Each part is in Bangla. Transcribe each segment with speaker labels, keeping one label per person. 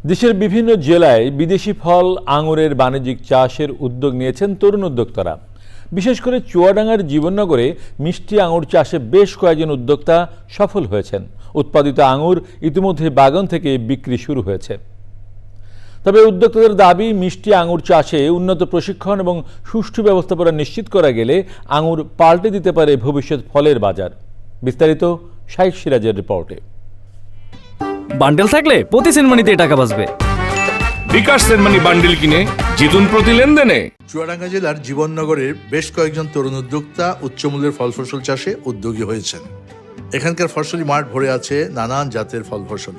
Speaker 1: দেশের বিভিন্ন জেলায় বিদেশি ফল আঙুরের বাণিজ্যিক চাষের উদ্যোগ নিয়েছেন তরুণ উদ্যোক্তারা। বিশেষ করে চুয়াডাঙ্গার জীবননগরে মিষ্টি আঙুর চাষে বেশ কয়েকজন উদ্যোক্তা সফল হয়েছেন। উৎপাদিত আঙুর ইতিমধ্যে বাগান থেকে বিক্রি শুরু হয়েছে। তবে উদ্যোক্তাদের দাবি, মিষ্টি আঙুর চাষে উন্নত প্রশিক্ষণ এবং সুষ্ঠু ব্যবস্থাপনা নিশ্চিত করা গেলে আঙুর পাল্টে দিতে পারে ভবিষ্যৎ ফলের বাজার। বিস্তারিত শাইখ সিরাজের রিপোর্টে।
Speaker 2: বান্ডেল থাকলে প্রতি সেনমানিতে টাকা বাঁচবে।
Speaker 3: বিকাশ সেনমানি বান্ডেল কিনে জিতুন প্রতি লেনদেনে।
Speaker 4: চুয়াডাঙ্গা জেলার জীবননগরের বেশ কয়েকজন তরুণ উদ্যোক্তা উচ্চমূল্যের ফল ফসল চাষে উদ্যোগী হয়েছেন। এখানকার ফসলি মাঠ ভরে আছে নানান জাতের ফল ফসলে।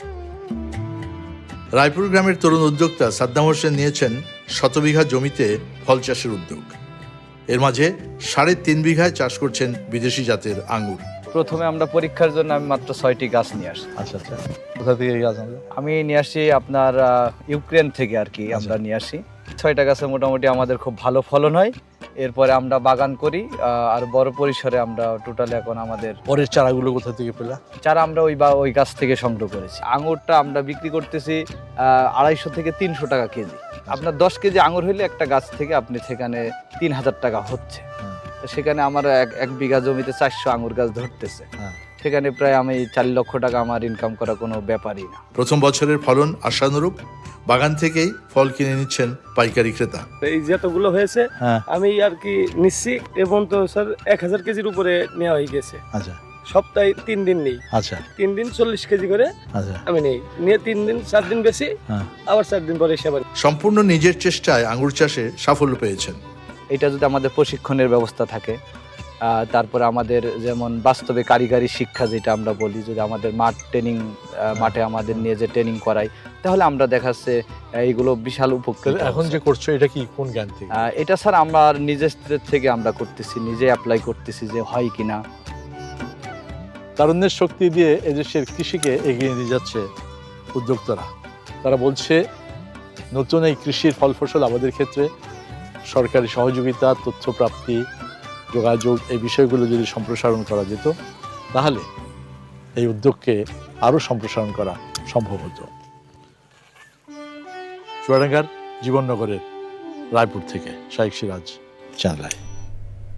Speaker 4: রায়পুর গ্রামের তরুণ উদ্যোক্তা সাদ্দাম হোসেন নিয়েছেন শতবিঘা জমিতে ফল চাষের উদ্যোগ। এর মাঝে 3.5 বিঘায় চাষ করছেন বিদেশি জাতের আঙ্গুর।
Speaker 5: প্রথমে আমরা পরীক্ষার জন্য আমি মাত্র 6টি গাছ নিয়ে আসি।
Speaker 4: আচ্ছা, কোথা থেকে গাছ আনলো?
Speaker 5: আমি নিয়ে আসি আপনার ইউক্রেন থেকে আর কি। আমরা নিয়ে আসি 6টা গাছে মোটামুটি আমাদের খুব ভালো ফলন হয়। এরপরে আমরা বাগান করি আর বড় পরিসরে আমরা টোটাল এখন আমাদের
Speaker 4: পরের চারাগুলো কোথা থেকে পেলা?
Speaker 5: চারা আমরা ওই গাছ থেকে সংগ্রহ করেছি। আঙুরটা আমরা বিক্রি করতেছি 250 থেকে 300 টাকা কেজি। আপনার 10 কেজি আঙুর হইলে একটা গাছ থেকে আপনি সেখানে 3000 টাকা হচ্ছে। সেখানে আমার 1 বিঘা জমিতে 400 আঙুর গাছ ধরতেছে। সেখানে প্রায় আমি 4 লক্ষ টাকা আমার ইনকাম করা কোনো ব্যাপারই না।
Speaker 4: প্রথম বছরের ফলন আশানুরূপ। বাগান থেকেই ফল কিনে নিচ্ছেন পাইকারি ক্রেতা।
Speaker 6: এই যতগুলো হয়েছে আমি আর কি নিচ্ছি এবং তো স্যার 1000 কেজির উপরে নেওয়া হয়ে গেছে।
Speaker 4: আচ্ছা,
Speaker 6: সপ্তাহে 3 দিন নেই।
Speaker 4: আচ্ছা,
Speaker 6: 3 দিন 40 কেজি করে আমি নেই, নিয়ে 3 দিন 4 দিন বেশি, আবার 4 দিন পরে এসে আবার।
Speaker 4: সম্পূর্ণ নিজের চেষ্টায় আঙ্গুর চাষে সাফল্য পেয়েছেন।
Speaker 5: এটা যদি আমাদের প্রশিক্ষণের ব্যবস্থা থাকে, তারপরে আমাদের যেমন বাস্তবে কারিগরি শিক্ষা যেটা আমরা বলি, যদি আমাদের মাঠে আমাদের নিয়ে যে ট্রেনিং করাই, তাহলে আমরা দেখাচ্ছে এইগুলো বিশাল উপকৃত।
Speaker 4: এখন যে করছো এটা কি কোন জ্ঞান থেকে?
Speaker 5: এটা স্যার আমরা নিজের থেকে আমরা করতেছি, নিজে অ্যাপ্লাই করতেছি যে হয় কিনা।
Speaker 7: তারুণ্যের শক্তি দিয়ে এদেশের কৃষিকে এগিয়ে নিয়ে যাচ্ছে উদ্যোক্তারা। তারা বলছে, নতুন এই কৃষির ফল ফসল আমাদের ক্ষেত্রে সরকারি সহযোগিতা, তথ্য প্রাপ্তি, যোগাযোগ, এই বিষয়গুলো যদি সম্প্রসারণ করা যেত, তাহলে এই উদ্যোগকে আরও সম্প্রসারণ করা সম্ভব হতো। চুয়াডাঙ্গার জীবননগরের রায়পুর থেকে শাইখ সিরাজ, চ্যানেল আই।